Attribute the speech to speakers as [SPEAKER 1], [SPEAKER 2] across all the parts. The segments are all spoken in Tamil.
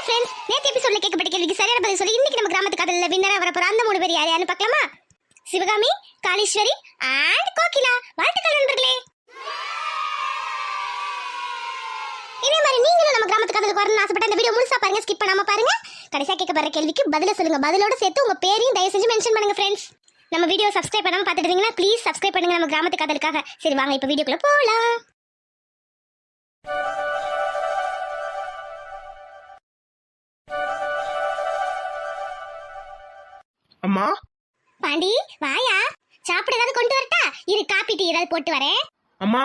[SPEAKER 1] ஃப்ரெண்ட்ஸ், நேத்து எபிசோட்ல கேட்கப்பட்ட கேள்விக்கு சரியான பதில் சொல்லி இன்னைக்கு நம்ம கிராமத்து கதையில வின்னரா வர போற அந்த 3 பேர் யார் யாருன்னு பார்க்கலாமா? சிவகாமி, காளீஸ்வரி அண்ட் கோகிலா. வாழ்த்துக்கள் நண்பர்களே. இதே மாதிரி நீங்களும் நம்ம கிராமத்து கதைக்கு வரணும்னு ஆசைப்பட்ட இந்த வீடியோ முழுசா பாருங்க, ஸ்கிப் பண்ணாம பாருங்க. கடைசியா கேட்கப்படுற கேள்விக்கு பதில சொல்லுங்க. பதிலோட சேர்த்து உங்க பேரையும் தயவு செஞ்சு மென்ஷன் பண்ணுங்க ஃப்ரெண்ட்ஸ். நம்ம வீடியோ சப்ஸ்கிரைப் பண்ணாம பார்த்துட்டு இருந்தீங்கன்னா ப்ளீஸ் சப்ஸ்கிரைப் பண்ணுங்க நம்ம கிராமத்து கதைக்காக. சரி வாங்க இப்ப வீடியோக்குள்ள போலாம்.
[SPEAKER 2] அம்மா
[SPEAKER 1] பாண்டி வாயா, சாப்பிட ஏதாவது கொண்டு வரட்டா? இரு, காப்பி டீ ஏதாவது போட்டு வரேன்.
[SPEAKER 2] அம்மா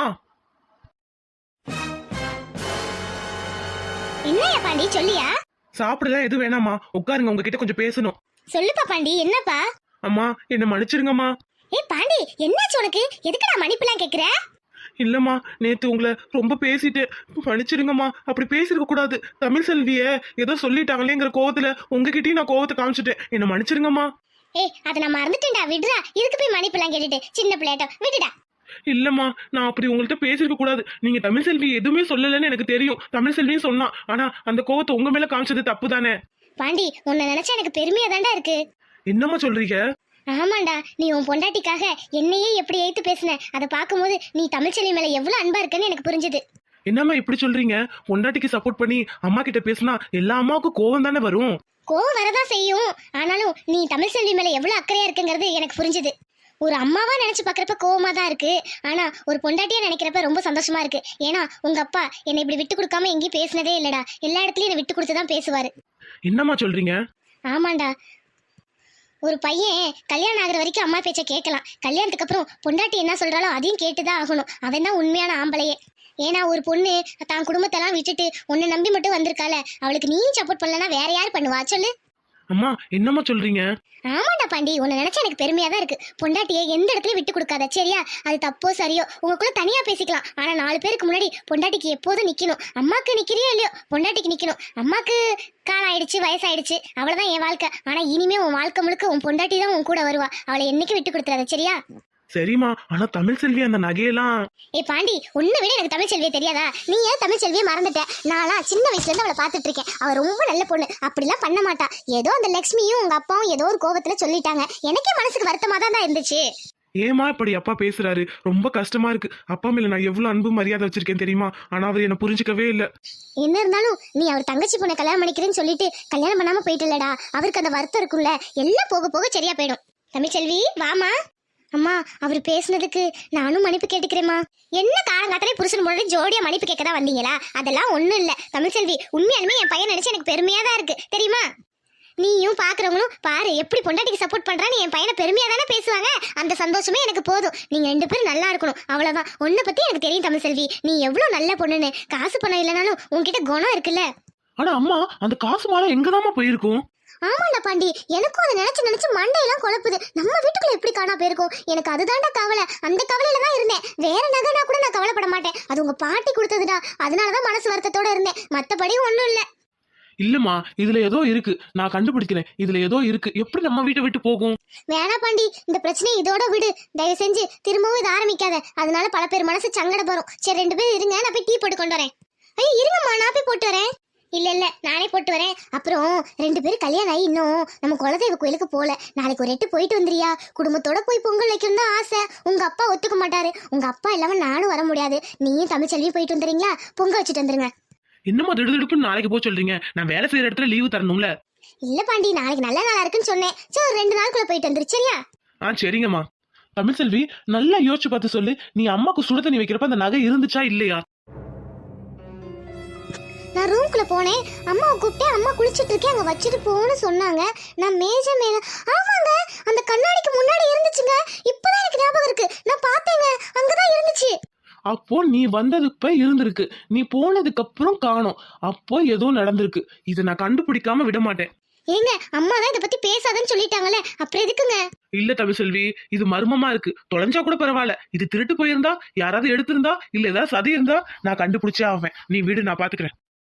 [SPEAKER 1] என்னையா பாண்டி சொல்லியா?
[SPEAKER 2] சாப்பிடலாம் எதுவும் வேணாமா, உட்காருங்க, உங்ககிட்ட கொஞ்சம் பேசணும்.
[SPEAKER 1] சொல்லுப்பா பாண்டி, என்னப்பா?
[SPEAKER 2] அம்மா என்ன மன்னிச்சிருங்கம்மா.
[SPEAKER 1] ஏய் பாண்டி, என்னாச்சு உனக்கு? எதுக்கு நான் மன்னிப்புலாம் கேக்குற?
[SPEAKER 2] இல்லம்மா, நேத்து உங்களை ரொம்ப பேசிட்டு மன்னிச்சிருங்கம்மா. அப்படி பேசிருக்க கூடாது. தமிழ் செல்விய ஏதோ சொல்லிட்டாங்களேங்கிற கோவத்துல உங்ககிட்டயும் நான் கோவத்தை காமிச்சிட்டேன். என்ன மன்னிச்சிருங்கம்மா.
[SPEAKER 1] ஏய் அதை நான் மறந்துட்டேன்டா, விடுடா. இதுக்கு போய் மன்னிப்புலாம் கேட்டுட்டு சின்ன பிள்ளையாட்ட விடுடா.
[SPEAKER 2] இல்லம்மா, நான் அப்படி உங்கள்ட்ட பேசிருக்க கூடாது. நீங்க தமிழ் செல்வி எதுவுமே சொல்லலன்னு எனக்கு தெரியும். தமிழ் செல்வியும் சொன்னா, ஆனா அந்த கோவத்தை உங்க மேல காமிச்சது தப்பு தானே.
[SPEAKER 1] பாண்டி, உன்னை நினைச்சா எனக்கு பெருமையா தான்டா இருக்கு.
[SPEAKER 2] என்னம்மா சொல்றீங்க?
[SPEAKER 1] ஆமாண்டா, நீ உன் பொண்டாட்டிக்காக என்னையே எப்படி ஏத்து பேசின அதை பார்க்கும்போது நீ தமிழ்ச்செல்வி மேல எவ்வளவு அன்பா இருக்குன்னு எனக்கு புரிஞ்சுது.
[SPEAKER 2] என்னம்மா இப்படி சொல்றீங்க? பொண்டாட்டிக்கு சப்போர்ட் பண்ணி அம்மா கிட்ட பேசினா எல்லா அம்மாவுக்கும் கோவம் தானே வரும்.
[SPEAKER 1] கோவம் வரதான் செய்யும். ஆனாலும் நீ தமிழ்செல்வி மேல எவ்வளவு அக்கறையா இருக்குங்கிறது எனக்கு புரிஞ்சுது. ஒரு அம்மாவா நினைச்சு பாக்குறப்ப கோவமா தான் இருக்கு, ஆனா ஒரு பொண்டாட்டியா நினைக்கிறப்ப ரொம்ப சந்தோஷமா இருக்கு. ஏன்னா உங்க அப்பா என்னை இப்படி விட்டு கொடுக்காம எங்கேயும் பேசினதே இல்லடா. எல்லா இடத்துலயும் என்னை விட்டு கொடுத்துதான் பேசுவாரு.
[SPEAKER 2] என்னம்மா சொல்றீங்க?
[SPEAKER 1] ஆமாண்டா, ஒரு பையன் கல்யாணம் ஆகுற வரைக்கும் அம்மா பேச்ச கேட்கலாம். கல்யாணத்துக்கு அப்புறம் பொண்டாட்டி என்ன சொல்றாலோ அதையும் கேட்டுதான் ஆகணும். அவன் தான் உண்மையான ஆம்பளையே. ஏன்னா ஒரு பொண்ணு தான் குடும்பத்தெல்லாம் விட்டுட்டு உன்னை நம்பி மட்டும் வந்திருக்கால, அவளுக்கு நீ சப்போர்ட் பண்ணலன்னா வேற யார் பண்ணுவா சொல்லு?
[SPEAKER 2] அம்மா என்னம்மா சொல்றீங்க?
[SPEAKER 1] ஆமாண்டா பாண்டி, உன்னை நினைச்சா எனக்கு பெருமையா தான் இருக்கு. பொண்டாட்டியை எந்த இடத்துலயும் விட்டு கொடுக்காத, சரியா? அது தப்போ சரியோ உங்களுக்குள்ள தனியா பேசிக்கலாம். ஆனா 4 பேருக்கு முன்னாடி பொண்டாட்டிக்கு எப்போதும் நிக்கணும். அம்மாக்கு நிக்கிறியோ இல்லையோ, பொண்டாட்டிக்கு நிக்கணும். அம்மாக்கு காலம் ஆயிடுச்சு, வயசாயிடுச்சு, அவ்வளவுதான் என் வாழ்க்கை. ஆனா இனிமே உன் வாழ்க்கை முழுக்க உன் பொண்டாட்டி தான் உன் கூட வருவா. அவளை என்னைக்கு விட்டு கொடுத்துறாத, சரியா?
[SPEAKER 2] சரிம்மா, ஆனா தமிழ் செல்வி அந்த நகையெல்லாம்.
[SPEAKER 1] ஏய் பாண்டி, உன்னை விட எனக்கு தமிழ் செல்வியே தெரியாதா? நீ ஏன் தமிழ் செல்வியை மறந்துட்ட? நானா சின்ன வயசுல இருந்து அவளை பாத்துட்டு இருக்கேன். அவ ரொம்ப நல்ல பொண்ணு, அப்படிலாம் பண்ண மாட்டா. ஏதோ அந்த லட்சுமியும் உங்க அப்பாவும் ஏதோ ஒரு கோபத்துல சொல்லிட்டாங்க. எனக்கே மனசுக்கு வருத்தமா தான் இருந்துச்சு.
[SPEAKER 2] ஏமா இப்படி அப்பா பேசுறாரு? ரொம்ப கஷ்டமா இருக்கு. அப்பா மேல நான் எவ்வளவு அன்பு மரியாதை வச்சிருக்கேன் தெரியுமா? ஆனா அவர் என்ன புரிஞ்சுக்கவே இல்ல.
[SPEAKER 1] என்ன இருந்தாலும் நீ அவர் தங்கச்சி பொண்ணை கல்யாணம் பண்ணிக்கிறேன்னு சொல்லிட்டு கல்யாணம் பண்ணாம போயிட்டுலடா. அவருக்கு அந்த வருத்தம் இருக்கும்ல, எல்லாம் போக போக சரியா போயிடும். தமிழ் செல்வி வாமா. அம்மா, அவர் பேசுனதுக்கு நானும் மன்னிப்பு கேட்டுக்கிறேம்மா. என்ன காலங்காத்தாலே புருஷன் முன்னாடி ஜோடியா மன்னிப்பு கேட்க தான் வந்தீங்களா? அதெல்லாம் ஒண்ணும் இல்ல தமிழ்செல்வி. உண்மையாலுமே என் பையன் நினைச்சு எனக்கு பெருமையா தான் இருக்கு, தெரியுமா? நீயும் பாக்குறவங்களும் பாரு எப்படி பொண்டாட்டிக்கு சப்போர்ட் பண்றான்னு என் பையனை பெருமையா தானே பேசுவாங்க. அந்த சந்தோஷமே எனக்கு போதும். நீங்க 2 பேரும் நல்லா இருக்கணும், அவ்வளவுதான். உன்னை பத்தி எனக்கு தெரியும் தமிழ்செல்வி, நீ எவ்வளவு நல்ல பொண்ணுன்னு. காசு பணம் இல்லைனாலும் உன்கிட்ட குணம் இருக்குல்ல.
[SPEAKER 2] ஆனா அம்மா, அந்த காசு மாலை எங்கதாம்மா போயிருக்கும்?
[SPEAKER 1] ஆமாண்டா பாண்டி, எனக்கும் அதை நினைச்சு மண்டையெல்லாம் குழப்புது. நம்ம வீட்டுக்குள்ள எப்படி காணா போயிருக்கும்? எனக்கு அதுதான்டா கவலை. அந்த கவலையில தான் இருந்தேன். வேற நகைனா கூட நான் கவலைப்பட மாட்டேன். அது உங்க பாட்டி கொடுத்ததுடா, அதனாலதான் மனசு வருத்தத்தோட இருந்தேன். மத்தபடி ஒண்ணும் இல்ல.
[SPEAKER 2] இல்லம்மா, இதுல ஏதோ இருக்கு, நான் கண்டுபிடிக்கிறேன். இதுல ஏதோ இருக்கு. எப்படி நம்ம வீட்டை விட்டு போகும்?
[SPEAKER 1] வேணா பாண்டி, இந்த பிரச்சனையை இதோட விடு. தயவு செஞ்சு திரும்பவும் இதை ஆரம்பிக்காத. அதனால பல பேர் மனசு சங்கடப்படும். சரி 2 பேரும் இருங்க, நான் போய் டீ போட்டு கொண்டு வரேன். ஐயோ இருங்கம்மா, நான் போய் போட்டு வரேன். இல்ல நானே போட்டு வரேன். அப்புறம் 2 பேரும் கல்யாணம் ஆகி இன்னும் நம்ம குலதெய்வ கோயிலுக்கு போல. நாளைக்கு ஒரு 8 போயிட்டு வந்துறியா? குடும்பத்தோட போய் பொங்கல் வைக்கணும் தான் ஆசை. உங்க அப்பா ஒத்துக்க மாட்டாரு. உங்க அப்பா இல்லாம நானும் வர முடியாது. நீயும் தமிழ்ச்செல்வியும் போயிட்டு வந்துறீங்களா? பொங்கல் வச்சுட்டு வந்துருங்க.
[SPEAKER 2] என்னம்மா திடுதிடுப்புன்னு நாளைக்கு போய் சொல்றீங்க? நான் வேலை செய்யற இடத்துல லீவு தரணும்ல.
[SPEAKER 1] இல்ல பாண்டி, நாளைக்கு நல்ல நாளா இருக்குன்னு சொன்னேன். சரி ஒரு 2 நாளுக்குள்ள போயிட்டு வந்துரு, சரியா?
[SPEAKER 2] சரிங்கம்மா. தமிழ் செல்வி, நல்லா யோசிச்சு பார்த்து சொல்லு. நீ அம்மாக்கு சுடு தண்ணி வைக்கிறப்ப அந்த நகை இருந்துச்சா இல்லையா?
[SPEAKER 1] நான் ரூம்குள்ள போனேன், அம்மாவை கூப்பிட்டேன். அம்மா குளிச்சுட்டு இருக்கேன், அங்க வச்சுட்டு போன்னு சொன்னாங்க. நான் மேஜ மேல. ஆமாங்க, அந்த கண்ணாடிக்கு முன்னாடி இருந்துச்சுங்க. இப்பதான் எனக்கு ஞாபகம் இருக்கு, நான் பார்த்தேங்க, அங்கதான் இருந்துச்சு.
[SPEAKER 2] அப்போ நீ வந்ததுக்கு இருந்திருக்கு, நீ போனதுக்கு அப்புறம் காணோம். அப்போ ஏதோ நடந்திருக்கு. இதை நான் கண்டுபிடிக்காம விட மாட்டேன்.
[SPEAKER 1] ஏங்க, அம்மா தான் இதை பத்தி பேசாதன்னு சொல்லிட்டாங்கல்ல, அப்புறம் எதுக்குங்க?
[SPEAKER 2] இல்ல தமிழ் செல்வி, இது மர்மமா இருக்கு. தொலைஞ்சா கூட பரவாயில்ல. இது திருட்டு போயிருந்தா, யாராவது எடுத்திருந்தா, இல்ல ஏதாவது சதி இருந்தா நான் கண்டுபிடிச்சே ஆவேன். நீ விடு, நான் பாத்துக்கிறேன்.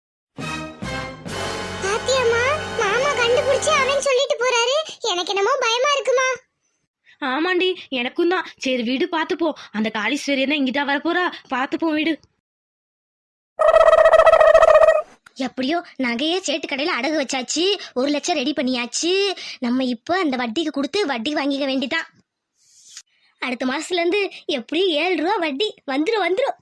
[SPEAKER 1] பாத்தியம்மா, மாமா கண்டுபிடிச்சு அவன் சொல்லிட்டு போறாரு. எனக்கு என்னமோ பயமா இருக்குமா.
[SPEAKER 3] ஆமாண்டி, எனக்கும் தான். சரி வீடு பாத்துப்போம். அந்த காளீஸ்வரி என்ன இங்கிட்டா வரப்போறா? பாத்துப்போம் வீடு.
[SPEAKER 1] எப்படியோ நகையே சேட்டு கடையில அடகு வச்சாச்சு, 1 லட்சம் ரெடி பண்ணியாச்சு. நம்ம இப்ப அந்த வட்டிக்கு கொடுத்து வட்டி வாங்கிக்க வேண்டிதான். அடுத்த மாசத்துல இருந்து எப்படியும் 7 ரூபா வட்டி வந்துரும்.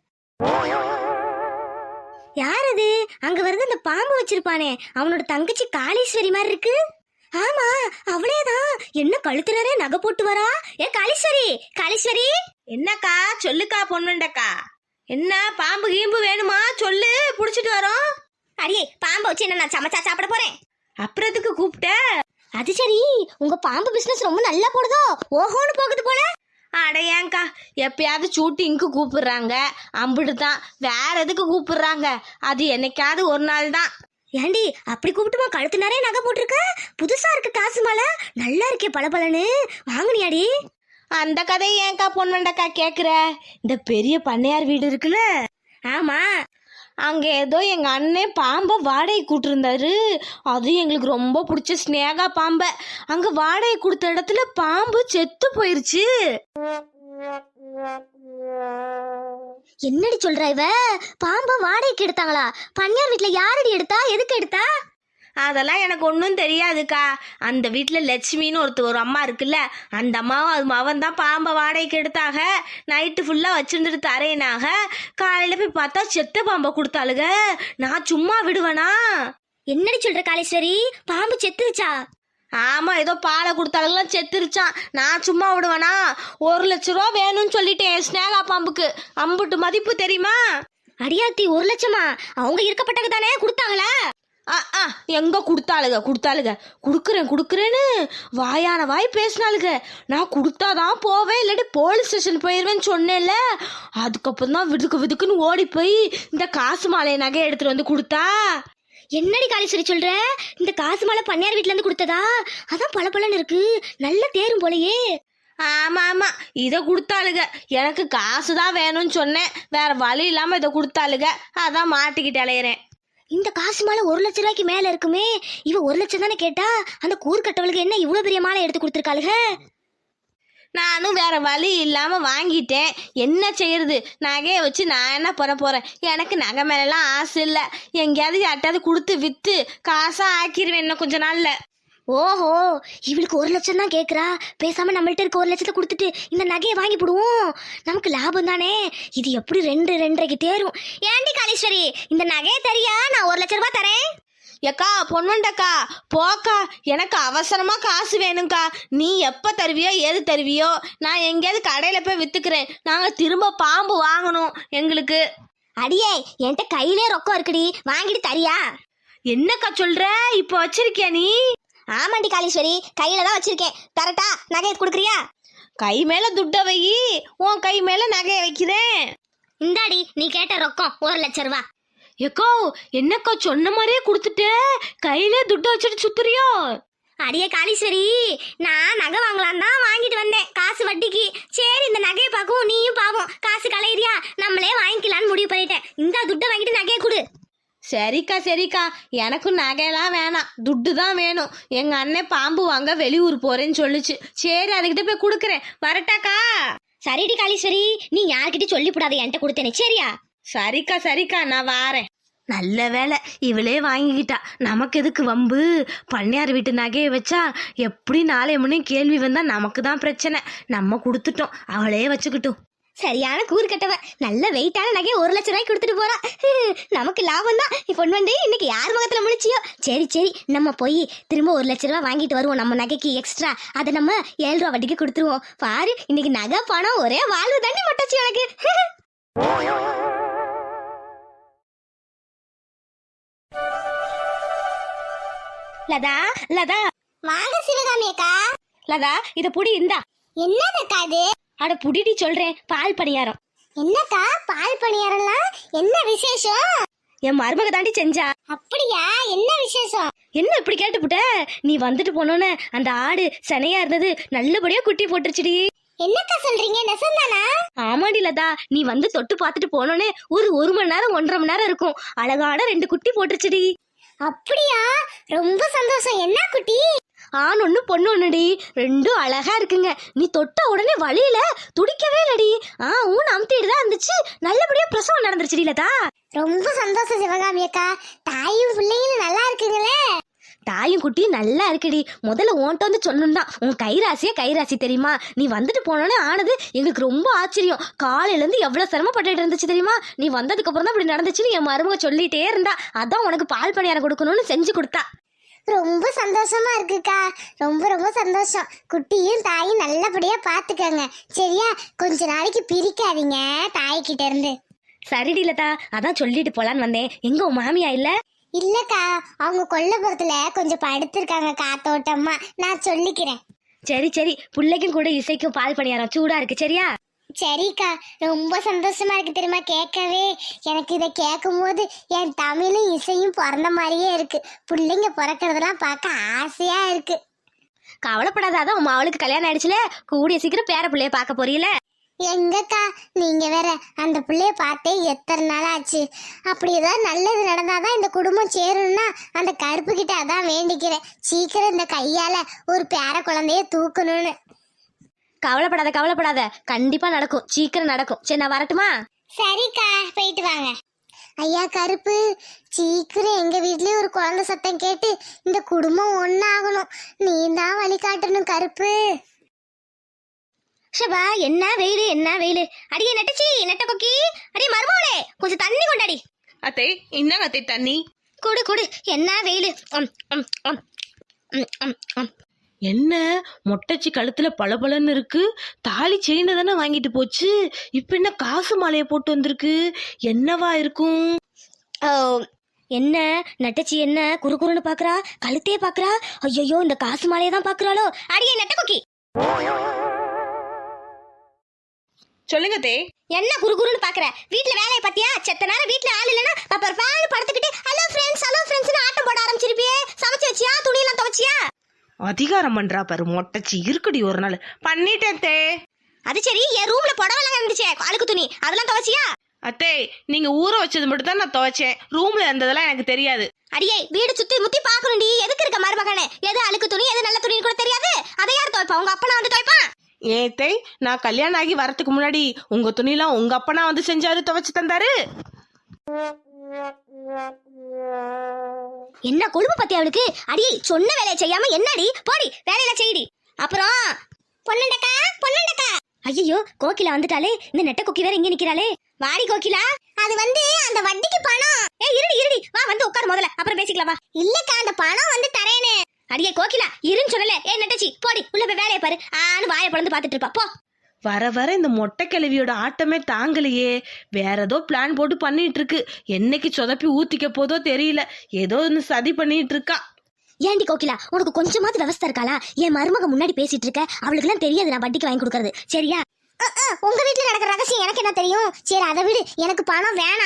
[SPEAKER 1] யார் அது? அங்க வருது அந்த பாம்பு வச்சிருப்பானே, அவனோட தங்கச்சி காளீஸ்வரி மாதிரி இருக்கு. ஆமா, அவளேதான். என்ன கழுத்துறே நகை போட்டு வரா. ஏ காளீஸ்வரி.
[SPEAKER 3] என்னக்கா சொல்லுக்கா பொண்ணுண்டக்கா. என்ன பாம்பு கீம்பு வேணுமா சொல்லு, புடிச்சிட்டு வரோம்.
[SPEAKER 1] அடியே, பாம்பை வச்சு என்ன நான் சமைச்சா சாப்பிட போறேன்.
[SPEAKER 3] அப்புறத்துக்கு கூப்பிட்ட?
[SPEAKER 1] அது சரி, உங்க பாம்பு பிசினஸ் ரொம்ப நல்லா போடுதோ, ஓஹோன்னு போகுது போல.
[SPEAKER 3] அட ஏங்கா, எப்பயாவது ஷூட்டிங்க்கு கூப்பிடுறாங்க, அம்பிட்டு தான். வேற எதுக்கு கூப்பிடுறாங்க? அது என்னைக்காவது ஒரு நாள் தான்.
[SPEAKER 1] ஏண்டி அப்படி கூப்பிட்டுமா கழுத்து நிறைய நகை போட்டிருக்க? புதுசா இருக்கு காசு மாலை, நல்லா இருக்கே பளபளன்னு. வாங்குனியாடி?
[SPEAKER 3] அந்த கதையை ஏங்கா பொண்ணுண்டக்கா கேக்குற? இந்த பெரிய பண்ணையார் வீடு இருக்குல்ல,
[SPEAKER 1] ஆமா,
[SPEAKER 3] அங்க ஏதோ எங்க அண்ணன் பாம்பை வாடகை கூட்டிருந்தாரு. அது எங்களுக்கு ரொம்ப பிடிச்ச ஸ்னேகா பாம்பை. அங்க வாடகை கொடுத்த இடத்துல பாம்பு செத்து போயிருச்சு.
[SPEAKER 1] என்னடி சொல்ற இவ? பாம்பை வாடகைக்கு எடுத்தாங்களா? பண்ணையார் வீட்டுல யாரடி எடுத்தா? எதுக்கு எடுத்தா?
[SPEAKER 3] அதெல்லாம் எனக்கு ஒன்றும் தெரியாதுக்கா. அந்த வீட்டில் லட்சுமின்னு ஒரு அம்மா இருக்குல்ல, அந்த அம்மாவும் அவன் தான் பாம்பை வாடகைக்கு எடுத்தாக. நைட்டு ஃபுல்லாக வச்சுருந்துட்டு தரேனாக. காலையில் போய் பார்த்தா செத்த பாம்பை கொடுத்தாளுங்க. நான் சும்மா விடுவேனா?
[SPEAKER 1] என்னடி சொல்ற காளீஸ்வரி? பாம்பு செத்துருச்சா?
[SPEAKER 3] ஆமாம், ஏதோ பாலை கொடுத்தாளுங்களாம், செத்துருச்சான். நான் சும்மா விடுவேனா? 1 லட்ச ரூபா வேணும்னு சொல்லிட்டேன் ஸ்னேகா பாம்புக்கு. அம்புட்டு மதிப்பு தெரியுமா?
[SPEAKER 1] அடியாத்தி, 1 லட்சமா? அவங்க இருக்கப்பட்டது தானே கொடுத்தாங்களா?
[SPEAKER 3] எங்க கொடுத்தாளுங்க கொடுக்குறேன்னு வாயான வாய் பேசினாளுங்க. நான் கொடுத்தாதான் போவேன், இல்லாட்டி போலீஸ் ஸ்டேஷன் போயிடுவேன்னு சொன்னேன்ல. அதுக்கப்புறம் தான் விதுக்குன்னு ஓடி போய் இந்த காசு மாலை நகை எடுத்துட்டு வந்து கொடுத்தா.
[SPEAKER 1] என்னடி காளீஸ்வரி சொல்ற? இந்த காசு மாலை பண்ணையார் வீட்டுல இருந்து கொடுத்ததா? அதான் பளபளன்னு இருக்கு, நல்ல தேரும் போலயே.
[SPEAKER 3] ஆமா, இதை கொடுத்தாளுங்க. எனக்கு காசு தான் வேணும்னு சொன்னேன், வேற வழி இல்லாம இதை கொடுத்தாளுங்க. அதான் மாட்டிக்கிட்டு அலையிறேன்.
[SPEAKER 1] இந்த காசு மாலை 1 லட்ச ரூபாய்க்கு மேல இருக்குமே. இவ 1 லட்சம் தானே கேட்டா, அந்த கூறுகட்டவளுக்கு என்ன இவ்வளவு பெரிய மாலை எடுத்து கொடுத்துருக்காளுக?
[SPEAKER 3] நானும் வேற வழி இல்லாம வாங்கிட்டேன். என்ன செய்யறது? நகையை வச்சு நான் என்ன பண்ண போறேன்? எனக்கு நகை மேலாம் ஆசை இல்லை. எங்கேயாவது யார்ட்டாவது கொடுத்து வித்து காசா ஆக்கிடுவேன் இன்னும் கொஞ்ச நாள்ல.
[SPEAKER 1] ஓஹோ, இவளுக்கு 1 லட்சம் தான் கேக்குறா. பேசாம நம்மள்ட்ட இருக்க 1 லட்சத்தை கொடுத்துட்டு இந்த நகையை வாங்கி போடுவோம், நமக்கு லாபம் தானே. இது எப்படி 2-2.5க்கு தேரும். ஏண்டி காளீஸ்வரி, இந்த நகையை தரியா? நான் 1 லட்ச ரூபாய் தரேன்.
[SPEAKER 3] ஏக்கா பொண்ணுண்டக்கா, போக்கா, எனக்கு அவசரமா காசு வேணும்க்கா. நீ எப்ப தருவியோ எது தருவியோ, நான் எங்கேயாவது கடையில போய் வித்துக்கிறேன். நாங்க திரும்ப பாம்பு வாங்கணும் எங்களுக்கு.
[SPEAKER 1] அடியே, என்கிட்ட கையிலே ரொக்கம் இருக்குடி, வாங்கிட்டு தரியா?
[SPEAKER 3] என்னக்கா சொல்ற? இப்போ வச்சிருக்கியா நீ?
[SPEAKER 1] ஆமாண்டி காளீஸ்வரி, கையில தான் வச்சிருக்கேன். தரட்டா? நகையை கொடுக்குறியா?
[SPEAKER 3] கை மேல துட்ட வை, உன் கை மேல நகையை வைக்கிறேன்.
[SPEAKER 1] இந்தாடி, நீ கேட்ட ரொக்கம் 1 லட்ச ரூபா.
[SPEAKER 3] ஏக்கோ, என்னக்கா சொன்ன மாதிரியே கொடுத்துட்ட, கையிலே துட்ட வச்சுட்டு சுத்துறியோ?
[SPEAKER 1] அடியே காளீஸ்வரி, நான் நகை வாங்கலாம் தான் வாங்கிட்டு வந்தேன், காசு வட்டிக்கு. சரி, இந்த நகையை பார்க்கவும் நீயும் பாவம் காசு கலையிறியா, நம்மளே வாங்கிக்கலான்னு முடிவு பண்ணிட்டேன். இந்த துட்டை வாங்கிட்டு நகையை கொடு.
[SPEAKER 3] சரிக்கா, எனக்கும் நகையெல்லாம் வேணாம், துட்டு தான் வேணும். எங்க அண்ணன் பாம்பு வாங்க வெளியூர் போறேன்னு சொல்லுச்சு. சரி, அதுகிட்ட போய் கொடுக்குறேன். வரட்டாக்கா?
[SPEAKER 1] சரிடி காளீஸ்வரி, நீ யார்கிட்டயும் சொல்லிவிடாத, என்கிட்ட கொடுத்தேனே, சரியா?
[SPEAKER 3] சரிக்கா, நான் வாரேன். நல்ல வேலை இவளே வாங்கிக்கிட்டா, நமக்கு எதுக்கு வம்பு? பண்ணையார் வீட்டு நகையை வச்சா எப்படி நாளை முன்னே கேள்வி வந்தா நமக்கு தான் பிரச்சனை. நம்ம கொடுத்துட்டோம், அவளே வச்சுக்கிட்டோம்.
[SPEAKER 1] சரியான கூறு கட்டவ, நல்ல வெயிட்டான நகையை 1 லட்ச ரூபாய்க்கு கொடுத்துட்டு போறா. நமக்கு லாபம் தான். பொண்ணு வந்து இன்னைக்கு யார் முகத்துல முடிச்சியோ. சரி, நம்ம போய் திரும்ப 1 லட்ச ரூபாய் வாங்கிட்டு வருவோம். நம்ம நகைக்கு எக்ஸ்ட்ரா அதை நம்ம 7 ரூபா வட்டிக்கு கொடுத்துருவோம். பாரு, இன்னைக்கு நகை பணம் ஒரே வாழ்வு தாண்டி மட்டாச்சு எனக்கு. லதா வாங்க சிவகாமி அக்கா.
[SPEAKER 3] லதா, இத புடி, இந்தா.
[SPEAKER 1] என்னக்கா இது?
[SPEAKER 3] அட புடிடி சொல்றேன், பால் பணியாரம்.
[SPEAKER 1] என்னக்கா பால் பணியாரம்லாம்? என்ன விசேஷம்?
[SPEAKER 3] என் மருமக தாண்டி செஞ்சா.
[SPEAKER 1] அப்படியா? என்ன விசேஷம்?
[SPEAKER 3] என்ன இப்படி கேட்டுப்புட்ட? நீ வந்துட்டு போனோன்னு அந்த ஆடு சனையா இருந்தது நல்லபடியா குட்டி போட்டுருச்சுடி.
[SPEAKER 1] என்னக்கா சொல்றீங்க? நெசந்தானா?
[SPEAKER 3] ஆமாடி லதா, நீ வந்து தொட்டு பார்த்துட்டு போனோன்னே ஒரு 1 மணி நேரம் 1.5 மணி நேரம் இருக்கும், அழகான 2 குட்டி போட்டுருச்சுடி.
[SPEAKER 1] அப்படியா? ரொம்ப சந்தோஷம். என்ன குட்டி?
[SPEAKER 3] ஆண் ஒண்ணு பொண்ணு ஒண்ணுடி, 2ம் அழகா இருக்குங்க. நீ தொட்ட உடனே வழியில துடிக்கவே இல்லடி. ஊன் அமுத்திட்டு தான் இருந்துச்சு. நல்லபடியா பிரசவம் நடந்துருச்சுடி லதா.
[SPEAKER 1] ரொம்ப சந்தோஷம் சிவகாமி அக்கா. தாயும் பிள்ளைங்களும் நல்லா இருக்குங்களே.
[SPEAKER 3] தாயும் குட்டியும் நல்லா இருக்குடி. முதல்ல உன்கிட்ட வந்து சொல்லணும் தான், உன் கைராசியே கைராசி தெரியுமா? நீ வந்துட்டு போனோன்னே ஆனது எங்களுக்கு ரொம்ப ஆச்சரியம். காலையிலேருந்து எவ்வளோ சிரமப்பட்டுட்டு இருந்துச்சு தெரியுமா? நீ வந்ததுக்கு அப்புறம் தான் இப்படி நடந்துச்சுன்னு என் மருமக சொல்லிட்டே இருந்தா. அதான் உனக்கு பால் பணியாரம் கொடுக்கணும்னு செஞ்சு கொடுத்தா.
[SPEAKER 1] ரொம்ப சந்தோஷமா இருக்குக்கா. ரொம்ப ரொம்ப சந்தோஷம். குட்டியும் தாயும் நல்லபடியா பாத்துக்கங்க சரியா? கொஞ்ச நாளைக்கு பிரிக்காதீங்க தாய்கிட்ட இருந்து.
[SPEAKER 3] சரிடி லதா, அதான் சொல்லிட்டு போலான்னு வந்தேன். எங்க உன் மாமியா இல்ல?
[SPEAKER 1] இல்லக்கா, அவங்க கொல்லப்புறத்துல கொஞ்சம் படுத்திருக்காங்க காத்தோட்டமா. நான் சொல்லிக்கிறேன்.
[SPEAKER 3] சரி சரி, பிள்ளைக்கும் கூட இசைக்கும் பால் பணியாரம் சூடா இருக்கு சரியா?
[SPEAKER 1] சரிக்கா, ரொம்ப சந்தோஷமா இருக்கு தெரியுமா கேட்கவே. எனக்கு இதை கேட்கும் போது என் தமிழும் இசையும் பிறந்த மாதிரியே இருக்கு. பிள்ளைங்க பிறக்கிறதெல்லாம் பார்க்க ஆசையா இருக்கு.
[SPEAKER 3] கவலைப்படாத, அதான் உன் அவளுக்கு கல்யாணம் ஆயிடுச்சுல, கூடிய சீக்கிரம் பேர பிள்ளைய பார்க்க போறீல.
[SPEAKER 1] எங்கக்கா நீங்க வேற, அந்த பிள்ளைய பார்த்தே எத்தனை நாள் ஆச்சு. அப்படி ஏதாவது நல்லது நடந்தாதான் இந்த குடும்பம் சேரும்னா அந்த கருப்பு கிட்ட அதான் வேண்டிக்கிறேன். சீக்கிரம் இந்த கையால ஒரு பேர குழந்தைய தூக்கணும்னு.
[SPEAKER 3] கவலைப்படாத கவலைப்படாத, கண்டிப்பா நடக்கும், சீக்கிரம் நடக்கும். சரி நான் வரட்டுமா?
[SPEAKER 1] சரிக்கா, போயிட்டு வாங்க. ஐயா கருப்பு, சீக்கிரம் எங்க வீட்லயும் ஒரு குழந்தை சத்தம் கேட்டு இந்த குடும்பம் ஒன்னாகணும். நீ தான் வழி காட்டணும் கருப்பு.
[SPEAKER 3] ஷபா, என்ன வெயிலு என்ன வெயிலு. அடியே நெட்டச்சி, நெட்ட கொக்கி, அடியே மருமோளே, கொஞ்சம் தண்ணி கொண்டாடி.
[SPEAKER 2] அத்தை என்னங்க அத்தை தண்ணி?
[SPEAKER 3] குடு குடு. என்ன வெயிலு.
[SPEAKER 4] என்ன மொட்டைச்சி கழுத்துல பளபளன்னு இருக்கு? தாலி செயினை தானே வாங்கிட்டு போச்சு, இப்ப என்ன காசு மாலையை போட்டு வந்திருக்கு? என்னவா இருக்கும்?
[SPEAKER 3] என்ன நெட்டச்சி என்ன குறுகுறுன்னு பாக்குறா? கழுத்தையே பாக்குறா? ஐயோ, இந்த காசு மாலையை தான் பாக்குறாளோ? அடியே நெட்ட கொக்கி.
[SPEAKER 2] சொல்லுங்க தே.
[SPEAKER 3] என்ன குறுகுறுன்னு பாக்குற? வீட்ல வேலையை பத்தியா? செத்த நேரம் வீட்ல ஆள் இல்லைன்னா அப்புறம் ஃபேன் படுத்துக்கிட்டு ஹலோ ஃப்ரெண்ட்ஸ் ஆட்டம் போட ஆரம்பிச்சிருப்பியே. சமைச்சு வச்சியா? துணியெல்லாம் துவைச்சியா?
[SPEAKER 4] அதிகாரம் பண்றா பாரு மொட்டைச்சி. இருக்குடி ஒரு நாள்
[SPEAKER 2] பண்ணிட்டேன் தே.
[SPEAKER 3] அது சரி, என் ரூம்ல புடவெல்லாம் இருந்துச்சே அழுக்கு துணி, அதெல்லாம் துவைச்சியா?
[SPEAKER 2] அத்தை நீங்க ஊற வச்சது மட்டும் தான் நான் துவைச்சேன், ரூம்ல இருந்ததெல்லாம் எனக்கு தெரியாது.
[SPEAKER 3] அடியே, வீடு சுத்தி முத்தி பாக்கணும்டி. எதுக்கு இருக்க மருமகனே? எது அழுக்கு துணி எது நல்ல துணின்னு கூட தெரியாது. அதை யார் துவைப்பா? உங்க அப்பனா வந்து துவைப்பான்.
[SPEAKER 2] ஏத்தை, நான் கல்யாணம் ஆகி வரதுக்கு முன்னாடி உங்க துணிலாம் உங்க அப்பனா வந்து செஞ்சாரு, துவைச்சு தந்தாரு.
[SPEAKER 3] என்ன கொழுப்பு பத்தி அவளுக்கு? அடி, சொன்ன வேலையை செய்யாம என்னடி? போடி வேலையில செய்டி. அப்புறம் பொன்னண்டக்கா பொன்னண்டக்கா. ஐயோ, கோகிலா வந்துட்டாலே. இந்த நெட்ட கொக்கி வேற இங்க நிக்கிறாளே. வாடி கோகிலா.
[SPEAKER 1] அது அந்த வட்டிக்கு பணம்.
[SPEAKER 3] இருடி இருடி, வா வந்து உட்காரு முதல்ல, அப்புறம் பேசிக்கலாம் வா.
[SPEAKER 1] இல்லக்கா, அந்த பணம் தரேன்னு.
[SPEAKER 3] அடியே கோகிலா, இருன்னு சொல்லல. நெட்டச்சி போடி உள்ள போய் வேலையை பாரு. ஆனு வாயை பழந்து பாத்துட்டு இருப்பா போ.
[SPEAKER 4] வர வர இந்த மொட்டை கிழவியோட ஆட்டமே தாங்கலையே. வேற ஏதோ பிளான் போட்டு பண்ணிட்டு இருக்கு. என்னைக்கு சொதப்பி ஊத்திக்க போதோ தெரியல. ஏதோ ஒன்று சதி பண்ணிட்டு இருக்கா.
[SPEAKER 3] ஏண்டி கோகிலா, உனக்கு கொஞ்சமாவது விவஸ்தை இருக்காளா? என் மருமக முன்னாடி பேசிட்டு இருக்க, அவளுக்கு எல்லாம் தெரியாது நான் வட்டிக்கு வாங்கி கொடுக்கறது சரியா?
[SPEAKER 1] உங்க வீட்டுல நடக்கிற ரகசியம் எனக்கு என்ன தெரியும்? சரி அதை விடு, எனக்கு பணம் வேணாம்.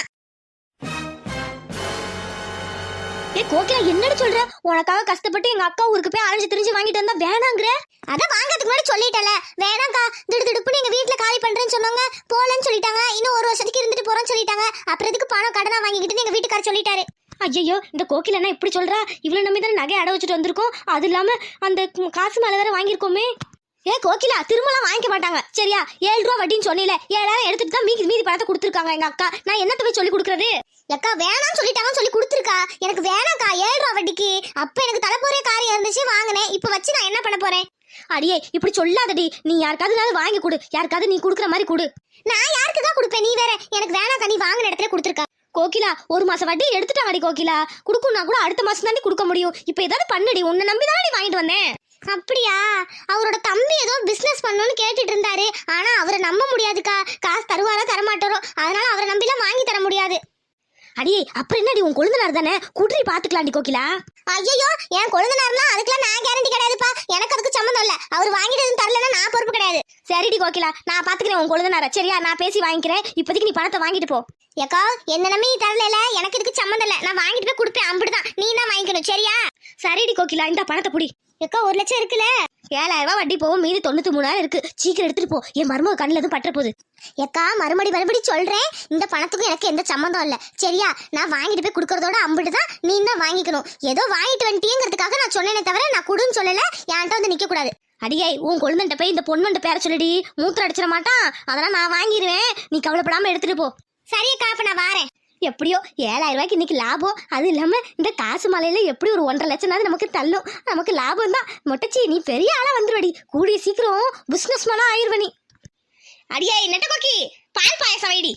[SPEAKER 3] கோகிலா, என்னடி சொல்ற? உனக்காக கஷ்டப்பட்டு எங்க அக்கா ஊருக்கு போய் அலைஞ்சு திரிஞ்சு வாங்கிட்டு வந்தா வேணாங்கிற?
[SPEAKER 1] அதான் வாங்கறதுக்கு முன்னாடி சொல்லிட்டல வேணாக்கா. திடுதிடுப்புன்னு எங்க வீட்டுல காலி பண்றேன்னு சொன்னாங்க, போலன்னு சொல்லிட்டாங்க. இன்னும் ஒரு வருஷத்துக்கு இருந்துட்டு போறேன்னு சொல்லிட்டாங்க. அப்புறம் எதுக்கு பணம் கடனா வாங்கிக்கிட்டு எங்க வீட்டுக்காரர் சொல்லிட்டாரு.
[SPEAKER 3] ஐயோ, இந்த கோகிலா என்ன இப்படி சொல்றா? இவ்வளவு நம்பி தானே நகை அடை வச்சுட்டு வந்திருக்கோம். அது இல்லாம அந்த காசு மேல வேற வாங்கியிருக்கோமே. கோகிலா, திரும்பலாம் வாங்கிக்க மாட்டாங்க சரியா? 7 ரூபா வட்டின்னு சொன்னீல, 7000 எடுத்துட்டு தான் மீதி பணத்தை கொடுத்துருக்காங்க எங்க அக்கா. நான் என்னத்த போய் சொல்லி கொடுக்கறது?
[SPEAKER 1] அக்கா வேணாம்னு சொல்லிட்டாங்கன்னு சொல்லி கொடுத்துருக்கா. எனக்கு வேணாக்கா 7 ரூபா வட்டிக்கு. அப்ப எனக்கு தலைப்போறே காரியம் இருந்துச்சு, வாங்கினேன். இப்ப வச்சு நான் என்ன பண்ண போறேன்?
[SPEAKER 3] அடியே, இப்படி சொல்லாதடி. நீ யாருக்காவது வாங்கி கொடு, யாருக்காவது நீ குடுக்கற மாதிரி கொடு.
[SPEAKER 1] நான் யாருக்கு தான் கொடுப்பேன்? நீ வேற. எனக்கு வேணாக்கா, நீ வாங்கின இடத்துல கொடுத்துருக்கா.
[SPEAKER 3] கோகிலா, 1 மாசம் வட்டி எடுத்துட்டாங்கடி கோகிலா. குடுக்கும்னா கூட அடுத்த மாசம் தாண்டி கொடுக்க முடியும். இப்ப ஏதாவது பண்ணுடி, உன்னை நம்பி தானே வாங்கிட்டு வந்தேன்.
[SPEAKER 1] அப்படியா? அவரோட தம்பி ஏதோ பிசினஸ் பண்ணணும்னு கேட்டுட்டு இருந்தாரு. ஆனா அவரை நம்ப முடியாதுக்கா. காசு தருவாரா தரமாட்டாரோ, அதனால அவரை நம்பிலாம் வாங்கி தர முடியாது.
[SPEAKER 3] அடியே, அப்புறம் என்னடி, உன் கொழுந்தனார் தானே, குடுறி பாத்துக்கலாம்டி கோகிலா.
[SPEAKER 1] ஐயோ, என் கொழுந்தனார்னா அதுக்கெல்லாம் நான் கேரண்டி கிடையாதுப்பா. எனக்கு அதுக்கு சம்மந்தம் இல்ல. அவர் வாங்கிட்டு தரலன்னா நான் பொறுப்பு கிடையாது.
[SPEAKER 3] சரிடி கோகிலா, நான் பாத்துக்கிறேன் உன் கொழுந்தனார சரியா? நான் பேசி வாங்கிக்கிறேன். இப்போதைக்கு நீ பணத்தை வாங்கிட்டு போ.
[SPEAKER 1] ஏக்கா, என்ன நம்பி நீ தரல, எனக்கு இதுக்கு சம்மந்தம் இல்ல. நான் வாங்கிட்டு போய் கொடுப்பேன், அப்படிதான். நீ தான் வாங்கிக்கணும் சரியா?
[SPEAKER 3] சரிடி கோகிலா, இந்த பணத்தை புடி.
[SPEAKER 1] ஏக்கா, 1 லட்சம் இருக்குல்ல?
[SPEAKER 3] 7000 ரூபாய் வட்டி போகும், மீதி 93,000 இருக்கு. சீக்கிரம் எடுத்துட்டு போ, என் மருமக கண்ணில் எதுவும் பற்ற போகுது.
[SPEAKER 1] ஏக்கா, மறுபடி சொல்றேன், இந்த பணத்துக்கும் எனக்கு எந்த சம்மந்தம் இல்ல சரியா? நான் வாங்கிட்டு போய் கொடுக்கறதோட அம்பிட்டு தான். நீ தான் வாங்கிக்கணும். ஏதோ வாங்கிட்டு வந்துட்டீங்கிறதுக்காக நான் சொன்னேனே தவிர நான் குடுன்னு சொல்லல. என்கிட்ட வந்து நிக்க கூடாது.
[SPEAKER 3] அடியே, உன் கொழுந்தன்ட்ட போய் இந்த பொண்ணுண்ட பேர சொல்லிடி. மூத்திரம் அடிச்சிட மாட்டான், அதெல்லாம் நான் வாங்கிடுவேன். நீ கவலைப்படாம எடுத்துட்டு போ.
[SPEAKER 1] சரியக்கா, அப்ப நான் வாரேன். எப்படியோ 7,000 ரூபாய்க்கு இன்னைக்கு லாபம். அது இல்லாம இந்த காசு மலையில எப்படி ஒரு 1.5 லட்சம் நமக்கு தள்ளும். நமக்கு லாபம் தான். மொட்டச்சி நீ பெரிய ஆளா வந்துருவடி. கூடிய சீக்கிரம் பிசினஸ் மேனா ஆயிருவ நீ. அடியே நெட்டகோக்கி பால் பாயசம் வைடி.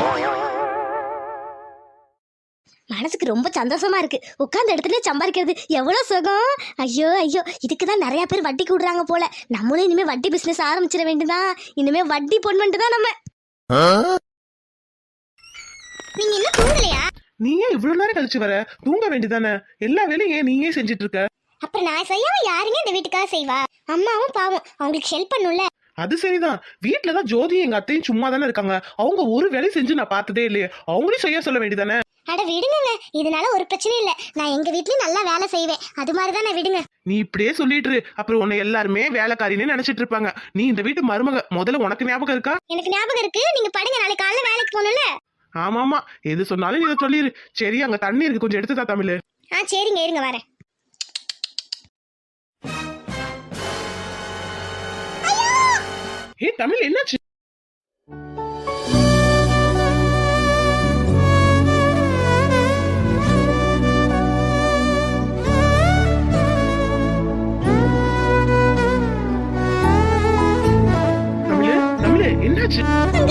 [SPEAKER 1] மனசுக்கு ரொம்ப சந்தோஷமா இருக்கு. உட்கார்ந்த இடத்துல சம்பாதிக்கிறது எவ்வளவு சுகம். ஐயோ ஐயோ, இதுக்குதான் நிறைய பேர் வட்டி கூடுறாங்க போல. நம்மளும் இனிமே வட்டி பிசினஸ் ஆரம்பிச்சிட வேண்டியதான். இனிமே வட்டி பொண்ணுட்டு தான் நம்ம. நீங்க இன்னும் தூங்கலையா?
[SPEAKER 2] நீ ஏன் இவ்வளவு நேரம் கழிச்சு வர? தூங்க வேண்டியதானே? எல்லா வேலையும் ஏன் நீயே செஞ்சுட்டு இருக்க?
[SPEAKER 1] அப்புறம் நான் செய்யாம யாருங்க இந்த வீட்டுக்காக செய்வா? அம்மாவும் பாவம், அவங்களுக்கு ஹெல்ப் பண்ணும்ல.
[SPEAKER 2] அது சரிதான். வீட்டுலதான் ஜோதி எங்க அத்தையும் சும்மா தானே இருக்காங்க. அவங்க ஒரு வேலை செஞ்சு நான் பார்த்ததே இல்லையே. அவங்களையும் செய்ய சொல்ல வேண்டியதானே?
[SPEAKER 1] அட விடுங்க, இதனால ஒரு பிரச்சனையும் இல்ல. நான் எங்க வீட்லயும் நல்லா வேலை செய்வேன். அது மாதிரிதான் நான் விடுங்க.
[SPEAKER 2] நீ இப்படியே சொல்லிட்டு இரு. அப்புறம் உன்னை எல்லாருமே வேலைக்காரின்னு நினைச்சிட்டு இருப்பாங்க. நீ இந்த வீட்டு மருமக. முதல்ல உனக்கு ஞாபகம் இருக்கா?
[SPEAKER 1] எனக்கு ஞாபகம் இருக்கு. நீங்க படுங்க, நாளைக்கு காலையில வேலைக்கு போகணும்ல.
[SPEAKER 2] ஆமாமா, எது சொன்னாலும் இதை சொல்லிரு. சரி, அங்க தண்ணி இருக்கு, கொஞ்சம் எடுத்து தா தமிழ்.
[SPEAKER 1] சரிங்க, இருங்க வரேன்.
[SPEAKER 2] ஏய் தமிழ், என்னாச்சு? என்னாச்சு?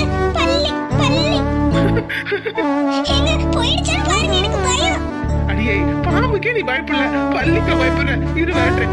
[SPEAKER 2] அடியே, பாம்புக்கே நீ பயப்படல, பள்ளிக்க பயப்படுற. இரு வரேன்.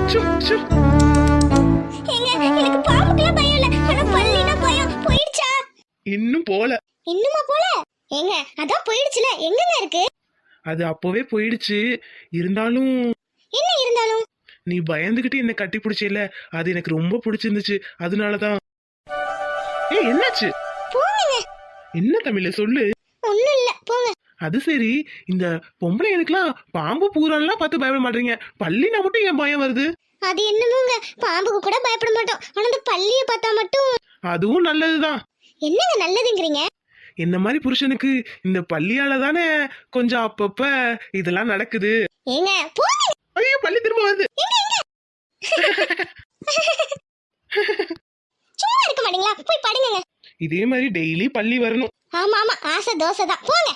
[SPEAKER 2] இன்னும் போல.
[SPEAKER 1] இன்னுமா போல? ஏங்க அதான் போயிடுச்சுல, எங்கங்க இருக்கு?
[SPEAKER 2] அது அப்பவே போயிடுச்சு. இருந்தாலும்
[SPEAKER 1] என்ன இருந்தாலும்?
[SPEAKER 2] நீ பயந்துகிட்டு என்ன கட்டி பிடிச்சல, அது எனக்கு ரொம்ப பிடிச்சிருந்துச்சு. அதனாலதான். ஏய் என்னாச்சு?
[SPEAKER 1] போங்க.
[SPEAKER 2] என்ன தமிழ சொல்லு.
[SPEAKER 1] ஒண்ணும் இல்ல, போங்க.
[SPEAKER 2] அது சரி, இந்த பொம்பளை எனக்குலாம் பாம்பு பூரான்லாம் பார்த்து பயப்பட மாட்டீங்க. பள்ளினா மட்டும் ஏன் பயம் வருது?
[SPEAKER 1] அது என்னமோங்க, பாம்புக்கு கூட பயப்பட மாட்டோம். ஆனா இந்த பள்ளிய பார்த்தா மட்டும்.
[SPEAKER 2] அதுவும் நல்லதுதான்.
[SPEAKER 1] என்னங்க நல்லதுங்கறீங்க?
[SPEAKER 2] என்ன மாதிரி புருஷனுக்கு இந்த பள்ளியால தானே கொஞ்சம் அப்பப்ப இதெல்லாம் நடக்குது.
[SPEAKER 1] ஏங்க போங்க.
[SPEAKER 2] ஐயோ, பள்ளி திரும்ப வருது.
[SPEAKER 1] சும்மா இருக்க மாட்டீங்களா? போய் படுங்க.
[SPEAKER 2] இதே மாதிரி டெய்லி பள்ளி வரணும்.
[SPEAKER 1] ஆமா ஆமா, ஆசை தோசை தான். போங்க.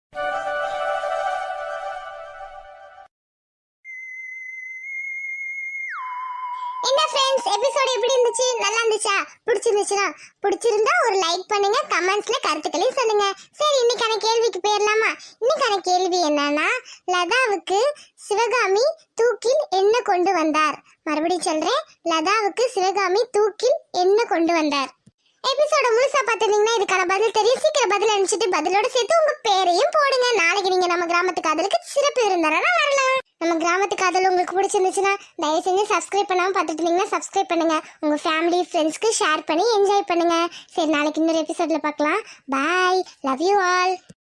[SPEAKER 1] என்ன ஃப்ரெண்ட்ஸ், எபிசோட் எப்படி இருந்துச்சு? நல்லா இருந்துச்சா? பிடிச்சிருந்தா ஒரு லைக் பண்ணுங்க, கமெண்ட்ஸ்ல கருத்துக்களையும் சொல்லுங்க. சரி, இன்னைக்கான கேள்விக்கு போயிடலாமா? இன்னைக்கான கேள்வி என்னன்னா, லதாவுக்கு சிவகாமி தூக்கில் என்ன கொண்டு வந்தார்? மறுபடியும் சொல்றேன், லதாவுக்கு சிவகாமி தூக்கில் என்ன கொண்டு வந்தார்? எபிசோட முழுசா பார்த்திருந்தீங்கன்னா இதுக்கான பதில் தெரியும். சீக்கிரம் பதில் அனுப்பிச்சிட்டு பதிலோட சேர்த்து உங்க பேரையும் போடுங்க. நாளைக்கு நீங்க நம்ம கிராமத்து காதலுக்கு சிறப்பு விருந்தாரா வரலாம். நம்ம கிராமத்து காதல் உங்களுக்கு பிடிச்சிருந்துச்சுன்னா தயவு செஞ்சு சப்ஸ்கிரைப் பண்ணாம பார்த்துட்டு இருந்தீங்கன்னா சப்ஸ்கிரைப் பண்ணுங்க. உங்க ஃபேமிலி ஃப்ரெண்ட்ஸ்க்கு ஷேர் பண்ணி என்ஜாய் பண்ணுங்க. சரி, நாளைக்கு இன்னொரு எபிசோட்ல பார்க்கலாம். Bye, love you all.